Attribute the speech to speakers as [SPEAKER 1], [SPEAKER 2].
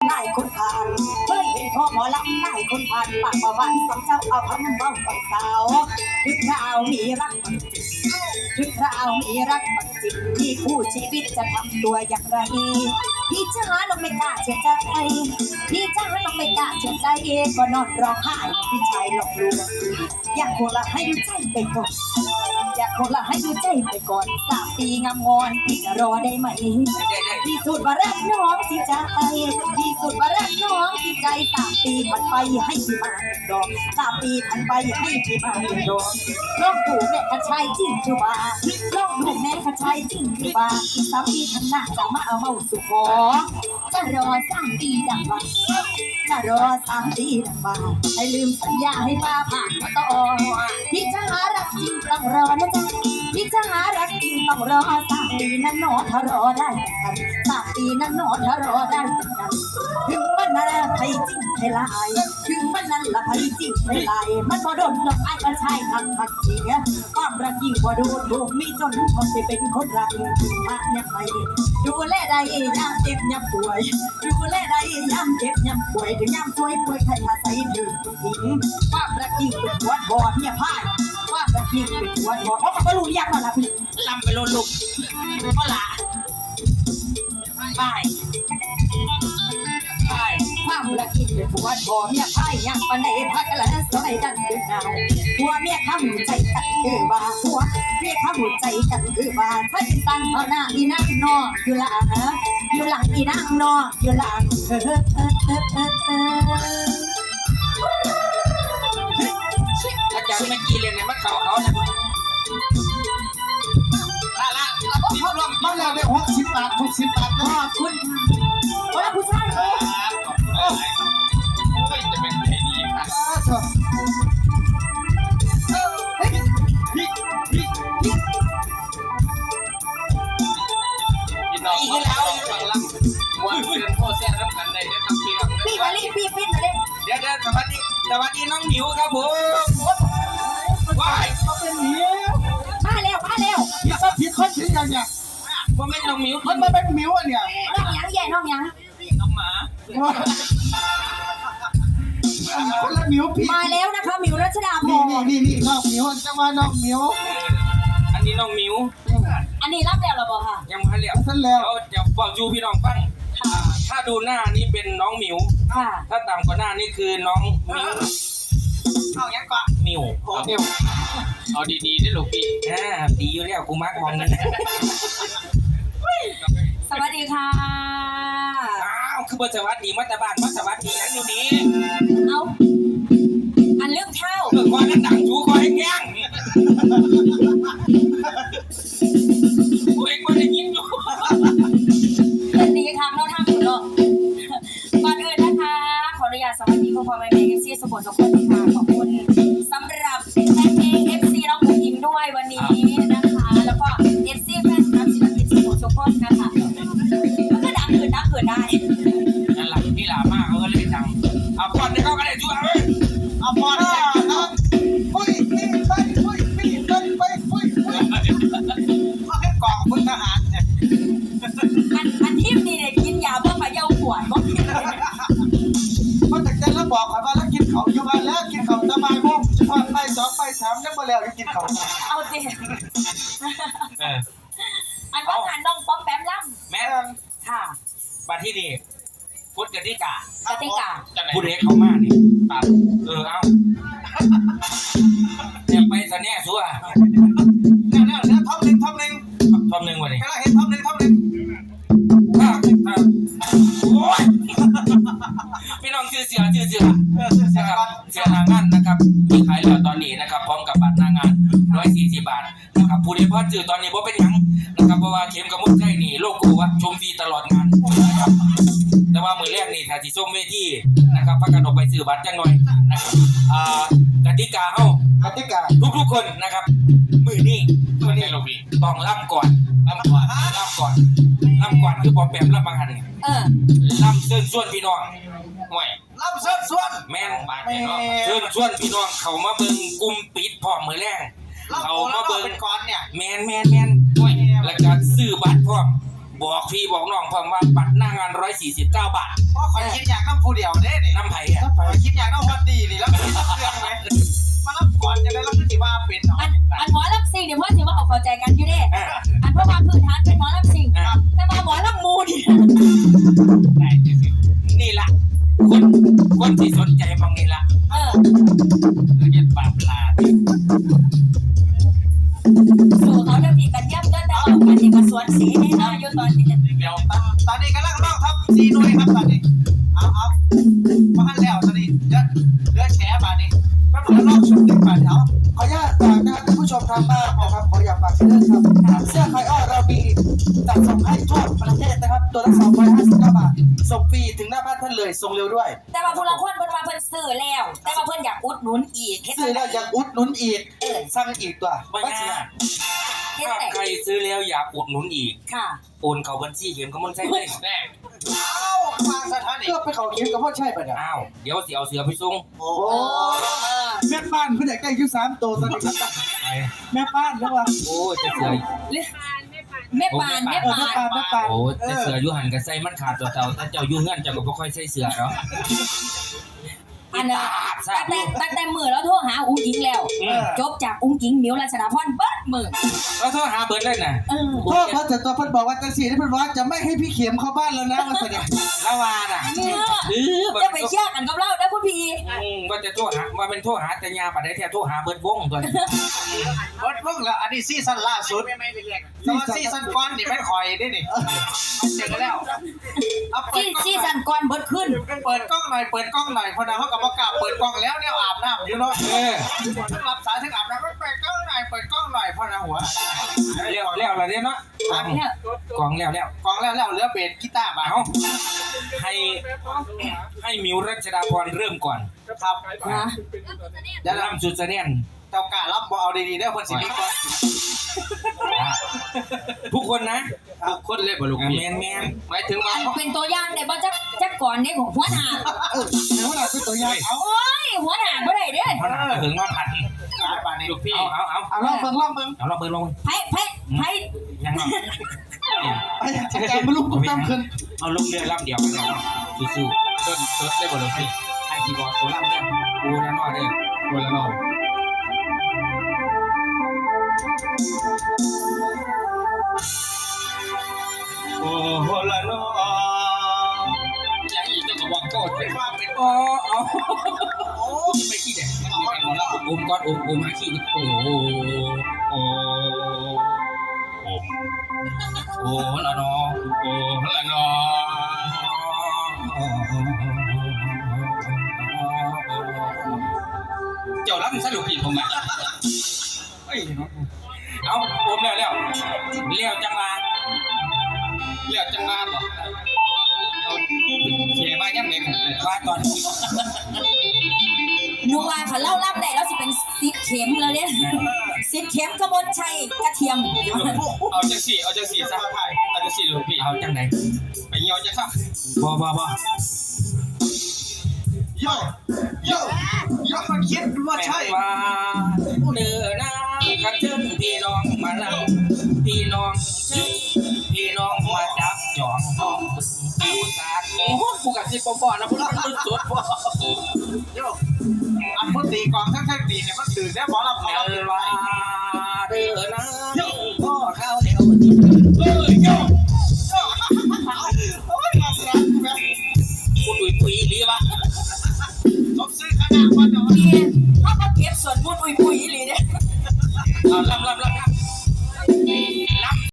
[SPEAKER 1] หลายคนผ่านเคยเห็นพ่อหมอลำหลายคนผ่านปากประวันสองเจ้าเอาคำเบ้าไปสาวถึงคราวมีรักมันจิตถึงคราวมีรักมันจิตที่คู่ชีวิตจะทำตัวอย่างไรพี่จ้าน้องไม่กล้าเชื่อใจพี่จ้าน้องไม่กล้าเชื่อใจก็นอนร้องไห้พี่ชายหลอกลวงอยากโคละให้ดูใจไปก่อนอยากโคละให้ดูใจไปก่อน3 ปีงามงอนพี่จะรอได้ไหมที่สุดว่ารักน้องที่ใจที่สุดว่ารักน้องที่ใจ3 ปีผ่านไปให้พี่มาดอก3 ปีผ่านไปให้พี่มาดอกลองดูแม่กระชายจริงคือว่าลองดูแม่กระชายจริงคือว่าอีก3 ปีข้างหน้าจะมาเอาเมาสุขอจะรอ3 ปีดังว่าจะรอ3 ปีดังว่าให้ลืมสัญญาให้ป้าผ่านมาต่อพี่จะหารักจริงต้องรอนะจ๊ะพี่จะหารักจริงต้องรอ3 ปีนั้นหนอถ้ารอได้กัน3 ปีนั้นหนอถ้ารอได้กันถึงวันนั้นใครจริงใครลายถึงวันนั้นละใครจริงใครลายมันบ่โดนดอกไอ้กระชายทักทักเสียความรักยิ่งกว่าดูถูกมีจนพอจะเป็นคนรักมากยังไงดูแลได้ยามเจ็บยามป่วยดูแลได้ยามเจ็บยามป่วยถึงยามป่วยใครอาศัยถึงผู้หญิงความรักยิ่งเป็นหัวทอเนี่ยพ่ายความรักยิ่งเป็นหัวทอเพราะมันก็รู้ยากแล้วล่ะพี่ลำไปโลลุกก็ละพ่ายความรักยิ่งเป็นหัวทอเนี่ยพ่ายยังปันในพักกันแล้วสมัยดันเป็นดาวหัวเมียข้ามหัวใจกันคือว่าหัวเมียข้ามหัวใจกันคือว่าถ้าเป็นตังเท่าหน้าอีนั่งนอนอยู่หลังอยู่หลังอีนั่งนอนอยู่หลัง
[SPEAKER 2] อาจารย์เมื่อกี้เลยเนี่ยมันเขาเนี่ยละเขารวม
[SPEAKER 3] มาแล้วได้60 บาท60 บาท
[SPEAKER 1] ขอบคุณค่ะว่าผู้ชาย
[SPEAKER 2] โอ้ยจะเป็นไงดีครับพี่น้องเขาแล้วฟังลำวันเดือนโคเซียนน้ำกันได้ได้ทำพี่น้อง
[SPEAKER 1] พี่มาลีพี่ฟิตมาเลย
[SPEAKER 2] เดี๋ยวสวัสดีน้องหมิวครับผมว้าย
[SPEAKER 3] มาเป็นหมิว
[SPEAKER 1] มาเร็ว
[SPEAKER 3] อย่ามาผิดคนผิดอย่างเนี่ย
[SPEAKER 2] ว่าไม่น้องหมิว
[SPEAKER 3] มันมาเป็นหมิวอ่ะเนี่ย
[SPEAKER 1] น้องยังแย่น้องยัง
[SPEAKER 2] น้องหมา
[SPEAKER 3] คนละหมิวพี่
[SPEAKER 1] มาแล้วนะคะหมิวรัชดาพ
[SPEAKER 3] นี่น้องหมิวจะมาน้องหมิว
[SPEAKER 2] อันนี้น้องหมิว
[SPEAKER 1] อันนี้รับแล้วหรอบอกค่ะ
[SPEAKER 2] ยังพันเหลียว
[SPEAKER 3] ท่านแล้ว
[SPEAKER 2] เดี๋ยวบอกจูพี่น้องฟังถ้าดูหน้านี่เป็นน้องหมิว
[SPEAKER 1] ค่ะ
[SPEAKER 2] ถ้าต่ำกว่าหน้านี่คือน้องมิวเอายังก่อนมิวเอาดีๆได้หรอพี่ดีอยู่แล้วกูมักมองนั่น
[SPEAKER 1] สวัสดีค่ะ
[SPEAKER 2] อ้าวคือบทสวัสดีมัตตบ้านมัตตวัสดีนั้นอยู่นี้
[SPEAKER 1] เอาอันเรื่องเท่า
[SPEAKER 2] คอยนั่นดังจูคอยแง่งกูเองไม่ได้ยินอยู่
[SPEAKER 1] เป็นดีทางเราทางอยู่เนาะก่อนอื่นนะคะขออนุญาตสวัสดีพ่อแม่เอฟซีสปอร์ตทุกคนค่ะขอบคุณสำหรับแฟนเพลงเอฟซีน้องอิงด้วยวันนี้นะคะแล้วก็เอฟซีแฟนคลับศิลปินสปอร์ตทุกคนนะคะมันก็ดังเกินได้
[SPEAKER 2] นั่นแหละพี่หลามากเขาก็เลยดังเอาก่อนที่เขาก็ได้ช่วย
[SPEAKER 3] เอาพอนะปุ้ยไปเขาแค่กองคุณทหารเนี่ย
[SPEAKER 1] อันที่นี่เนี่ยกินยาเพื่อมาเย้าขวดบอก
[SPEAKER 3] เพราะแต่แกแล้วบอกว่าแล้วกินเขาอยู่บ้านแล้วกินเขาสบายมุ่งจะพอไป2ไป3ยังมาแล้วกินเขา
[SPEAKER 1] เอาสิอันว่างานน้องป๊อปแป๊มล่ำ
[SPEAKER 2] แม่
[SPEAKER 1] ค่ะ
[SPEAKER 2] บัดที่นี่พุทธกติกาผู้เด็กเขามานี่เอาเนี่ยไปซะเนี่ยชัว
[SPEAKER 3] แล้วท็อปหนึ่ง
[SPEAKER 2] ทอมหนึ่งวันนี้
[SPEAKER 3] ก็เห็นท็อปหนึ่ง
[SPEAKER 2] โอ้ยพี่น้องเสือหน้างานนะครับที่ขายแล้วตอนนี้นะครับพร้อมกับบัตรหน้างาน140 บาทนะครับผู้ใดพอซื้อตอนนี้บ่เป็นหยังนะครับเพราะว่าเข็มกับมุกใช่นี่โลโก้ว่าชมฟรีตลอดงานนะครับแต่ว่ามือแรกนี่ถ้าสิส้มเวทีนะครับพักกันออกไปซื้อบัตรจังหน่อยนะครับกติกาเฮทุกคนนะครับมือนี้ลูกพี่ต้องล่ำก่อนคือพอแปมล่ำบางหันล่ำเชิญชวนพี่น้องห่วย
[SPEAKER 3] รับเสื้อ
[SPEAKER 2] แม่นบาดเชิญชวนพี่น้องเขามาเบิ่งกลุ่มปิดพร้อมมือแรงเขามาเบิ่ง
[SPEAKER 3] ก่อนเนี่ย
[SPEAKER 2] แมนห่วยแล้วก็ซื้อบัตรพร้อมบอกพี่บอกน้องพร้อมว่าบัตรหน้างาน149 บาท
[SPEAKER 3] เพราะข่อยคิดอยากน้ำผู้เดียวเด้นี่
[SPEAKER 2] น้ำไผ่อะ
[SPEAKER 3] ข่อยคิดอยากน้ำฮอตดีนี่แล้วมันมีเรื่องไหมมารับก่อนจะได้รับที่ว่าเป็นเนาะ
[SPEAKER 1] อันหมอลำซิงเดี๋ยวพ่อถือว่าเอาเข้าใจกันอยู่เด้อันเพราะว่าพื้นฐานเป็นหมอลำซิงแต่มาหมอลำมูนี่
[SPEAKER 2] นี่ล่ะคนที่สนใจมองนี่ล่ะ
[SPEAKER 1] เออ
[SPEAKER 2] เรียนปราบลา
[SPEAKER 1] สู่เขาเดี๋ยวพี่กันย่ำก็แต่ว่ากันเด็กกับสวนสีแน่นอนอยู่ตอนนี้
[SPEAKER 2] เดี๋ยว
[SPEAKER 3] ตอนนี้กำลังร้องครับซีนุ้ยครับตอนนี้เอามาหันแล้วตอนนี้เลือแฉบาดนี้แป๊บเดียวรอบชุดหนึ่งบาทเอาขออนุญาตฝากนะท่านผู้ชมทางบ้านนะครับขออยากฝากเรื่องครับเสื้อไคอ้อเรามีจัดส่งให้ทั่วประเทศนะครับตัวละ259 บาทส่งฟรีถึงหน้าบ้านท่านเลยส่งเร็วด้วย
[SPEAKER 1] แต่ว่าผู้ละคนเพิ่นมาเพิ่นซื้อแล้ว แต่ว่าเพิ่นอยากอุดหนุนอีกเฮ็ด
[SPEAKER 3] ซื้อแล้วยังอุดหนุนอีกสั่งอีกตัว
[SPEAKER 2] ไม่
[SPEAKER 3] ว่าเสีย
[SPEAKER 2] ยาก
[SPEAKER 1] เฮ็ด
[SPEAKER 2] ถ้า
[SPEAKER 1] แต่
[SPEAKER 2] ใครซื้อแล้วอยากอุดหนุนอีก
[SPEAKER 1] ค่ะ
[SPEAKER 2] โอนเข้าบัญชีเขียนก็มันใช่ไหมแน่
[SPEAKER 3] อ้าววางสถานีก็ไปเขาเขียนกับพ่อใช่ปะเนี่ย
[SPEAKER 2] อ้าวเดี๋ยวสิเอาเสือไปส่ง
[SPEAKER 3] โอ้แม่ป้านเพื่อนอยากได้อยู่3 ตัวตอนนี้แม่ป้านแล้ววะ
[SPEAKER 2] โอ้จะเสือ
[SPEAKER 1] แม่ปานแม่ปาน
[SPEAKER 3] แม่ป้าน
[SPEAKER 2] โอ้จะเสืออยู่หันกับใส่มันขาดตัวเต่าแต่เจ้าอยู่เงื่อนเจ้าก็บ่ค่อยใส่เสือเนาะ
[SPEAKER 1] อันนั้นตั้งแต่มือแล้วโทรหาอุ้งอิงแล้ว จบจากอุ้งอิงมิวรัชดาพรเบิดมือ
[SPEAKER 2] แล้วโทรหาเบิร์ดเลยนะ
[SPEAKER 3] พ่อเขาจะตัวเพิ่นบอกว่าจังสีที่เพิ่นว่าจะไม่ให้พี่เข็มเข้าบ้านแล้วนะว่าเสด็จ
[SPEAKER 2] ละวาน่ะ
[SPEAKER 1] จะไปเชื่อกันกับเราได้พ่อพี่
[SPEAKER 2] ว่าจะโทรหาว่าเป็นโทรหาแต่ยาปัดได้แท้โทรหาเบิร์ดวงตัวนี้
[SPEAKER 3] เบิดเพิ่งแล้วอันนี้ซีซั่นล่าสุดแต่ว่าซีซั่นก่อนนี่แม่นข่อยได้นี่เจอกันแล้วเอาเปิด
[SPEAKER 1] ซีซั่นก่อนเบิดขึ้น
[SPEAKER 3] เปิดกล้องหน่อยเปิดกล้องหน่อยพอนะเขากับประกาศเปิดกล้องแล้วเนี่ยอาบน้ำอยู่เนาะทั้งรับสายทั้งอาบน้ำเปิดกล้องหน่อยเปิดกล้องหน่อยพอนะหัว
[SPEAKER 2] แล้วอะไรเนี่ยเนาะกองแล้ว
[SPEAKER 3] กล้องแล้วเหลือเบสกีตาร์บ่า
[SPEAKER 2] เอาให้มิวรัชดาพรเริ่มก่อน
[SPEAKER 3] ครับ
[SPEAKER 1] นะ
[SPEAKER 3] เดี๋ยว
[SPEAKER 2] ล่ำสุดเสนียน
[SPEAKER 3] เจ้ากล้ารับบ่เอาดีๆเด้อคนสิมีก่อน
[SPEAKER 2] ทุกคนนะทุกคนเลยบ่ลูกแมนหมายถึงว่า
[SPEAKER 1] เป็นตัวอย่างได้บ่จักก่อนเด้ของหัวหน้า
[SPEAKER 3] เดี๋ยวเราเป็นตัวอย่างเอา
[SPEAKER 1] โอ้ยหัวหน้าบ่ได้เด้
[SPEAKER 2] เพราะน่าถึงว่าผัด
[SPEAKER 3] ป่านนี้ลูกพี่
[SPEAKER 2] เอาลองเบิ่งเอาลองเบิ่งลง
[SPEAKER 1] ไผ
[SPEAKER 2] ยังไง
[SPEAKER 3] ไอ้จัดการไม่รู้กูตั้มขึ้น
[SPEAKER 2] เอาลูกเรือลำเดียวกันเลยสู้ๆต้นได้บ่ลูกพี่ไอ้คีย์บอร์ดตัวลำเนี่ยกูแน่นอนเลยตัวละนอนโอ้ละนอยังอีกจะบอกก็เป็นว่าเป็นอ๋อไม่ขี้เด็กมันมีกันหมดแล้วก้อนมาขี้โอ้ละนอละนอเจ้ารับสรุปผิดผมอ่ะเอาผมแล้วจังลาเหรอเอาเสียมายังไงว่าตอนนี้
[SPEAKER 1] หนูว่าเขาเล่ารับได้แล้วสิเป็นซิดเข็มแล้วเนี่ยซิดเข็มกระบวนชัยกระเทียม
[SPEAKER 2] เอาจังสี่ซะเอาจังสี่ลูกพี่เอาจังไหนไปเหี่ยวจังซะบ่
[SPEAKER 3] โยมันคิดว่าใช่
[SPEAKER 2] ว่าเนื้อหน้ากันเชิญพี่น้องมาลังพี่น้องมาจับจองห้องกูสาดโอ้กูกับที่ปอนะพวกมันสุดบ่
[SPEAKER 3] โยอันพุทธีกองทั้งดีเนี่ยมันตื่นแล้วบอกเรา
[SPEAKER 2] เนื้
[SPEAKER 3] เอา
[SPEAKER 2] อว่าเนื้อหน้าพ่อเข้าเดียวโย
[SPEAKER 3] โอ้ยมาเสียแบบ
[SPEAKER 2] คุณดุยหรือวะ
[SPEAKER 3] สมซื้อขนาดวันเนาะ
[SPEAKER 1] พี่เขาก็เก็บส่วนบุญปุยอีหลีเนี่ย
[SPEAKER 2] เอาลำ